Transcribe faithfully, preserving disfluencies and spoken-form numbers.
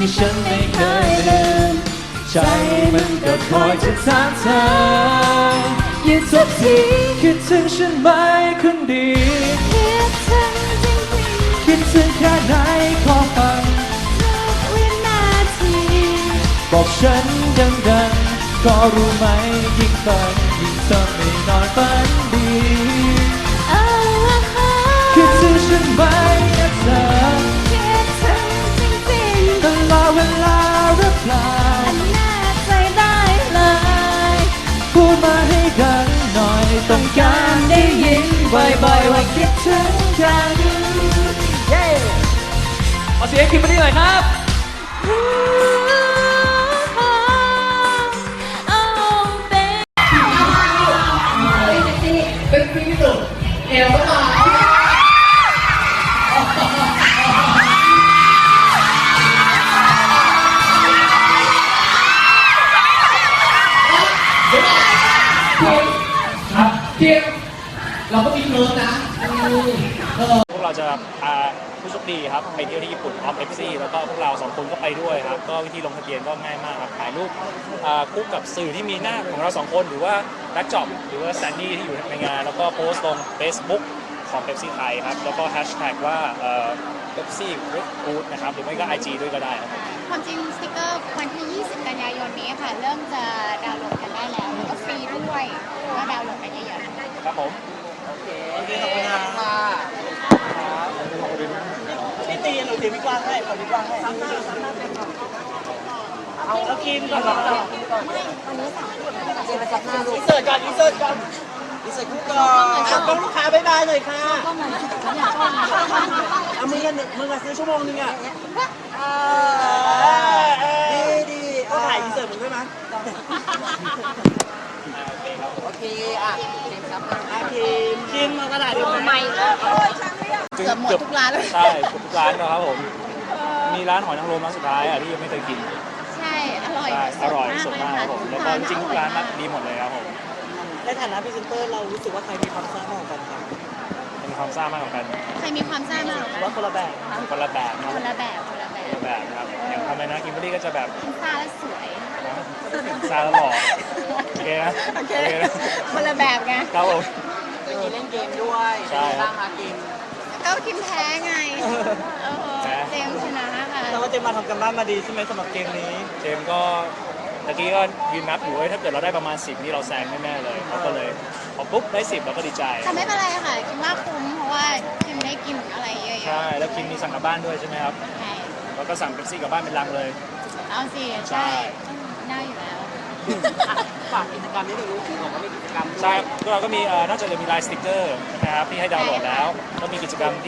ที่ฉันไม่เคยลืมใจมันก็คอยจะถามเธอยิ่งทุกทีคิดถึงฉันไหมคนดีคิดถึงจริงๆคิดถึงแค่ไหนขอฟังทุกวินาทีบอกฉันดังๆก็รู้ไหมยิ่งฝันยิ่งทำให้นอนฝันดีคิดถึงฉันไหมนะเธอคิดถึงจริงๆตลอดเวลาหรือเปล่าแน่ใจได้เลยพูดมาให้ดังหน่อยต้องการได้ยินบ่อยๆว่าคิดถึงกันเย้ขอเสียงคิมเบอร์รี่หน่อยครับเป็นปีสุดเอวก็มาเทียบเราก็มีเพิร์นะพวกเราจะพาผู้โชคดีครับไปเที่ยวที่ญี่ปุ่นพร้อมเอฟซีแล้วก็พวกเราสองคนก็ไปด้วยครับก็วิธีลงทะเบียนก็ง่ายมากครับถ่ายรูปคู่กับสื่อที่มีหน้าของเราสองคนหรือว่าแบ็คจ็อบหรือว่าแซนดี้ที่อยู่ในงานแล้วก็โพสต์ลง Facebook ของเ e ปซี่ไทยครับแล้วก็แฮชแท็กว่าเเ e ปซี่กู๊ดนะครับหรือไม่ก็ ไอ จี ด้วยก็ได้ครับความจริงสติกเกอร์วันที่ยี่สิบกันยายนนี้ค่ะเริ่มจะดาวน์โหลดกันได้แล้วแล้วก็ฟรีด้วยก็ดาวน์โหลดกันเยอะๆครับผมโอเคโอเคขอบคุณค่ะพี่ตีหนูตีพี่กว้างให้ขอพี่กว้างให้เอาแล้วกินก่อนก่อนไม่วันนี้สามคนเจนจับหน้าลูกอินเสิร์ตก่อนอินเสิร์ตก่อนอินเสิร์ตคู่ก่อนต้องลูกค้าบ๊ายบายหน่อยค่ะเอามือกันมือกันซื้อชั่วโมงนึงอ่ะดีดีก็ถ่ายอินเสิร์ตมึงด้วยมั้ยโอเคอ่ะทีมครับทีมทีมมากระดาษดีไหมเกือบหมดทุกร้านเลยใช่ทุกร้านนะครับผมมีร้านหอยนางรมร้านสุดท้ายอ่ะที่ยังไม่เคยกินใช่อร่อยอร่อยสดมากครับผมแล้วก็จริงทุกร้านดีหมดเลยครับผมในฐานะพรีเซนเตอร์เรารู้สึกว่าใครมีความซ่ามากกว่ากันครับมีความซ่ามากกว่ากันใครมีความซ่ามากกว่าว่าคนละแบบคนละแบบคนละแบบคนละแบบคนละแบบครับอย่างทำไมนะกิมเบอรี่ก็จะแบบซ่าและสวยซ่าแล้วหล่อโอเคนะโอเคคนละแบบไงครับผมมีเล่นเกมด้วยใช่บ้างคะเกมก็คิมแพ้ไงเจมชนะค่ะแล้วว่าเจมมาทำกันบ้านมาดีใช่ไหมสำหรับเกมนี้เจมก็ตะกี้ก็ยืนนับอยู่ว่าถ้าเกิดเราได้ประมาณสิบนี่เราแซงแน่ๆเลยเขาก็เลยพอปุ๊บได้สิบเราก็ดีใจแต่ไม่เป็นไรค่ะคิมว่าคุ้มเพราะว่าคิมได้กินอะไรเยอะๆใช่แล้วคิมมีสั่งกลับบ้านด้วยใช่ไหมครับใช่แล้วก็สั่งเป๊ปซี่กลับบ้านเป็นลังเลยเอาสิใช่ได้อยู่แล้วฝากกิจกรรมนี้หน่อยรู้สึกว่ามีกิจกรรมใช่เราก็มีนอกจากจะมีไลน์สติ๊กเกอร์นะครับที่ให้ดาวน์โหลดแล้วก็มีกิจกรรม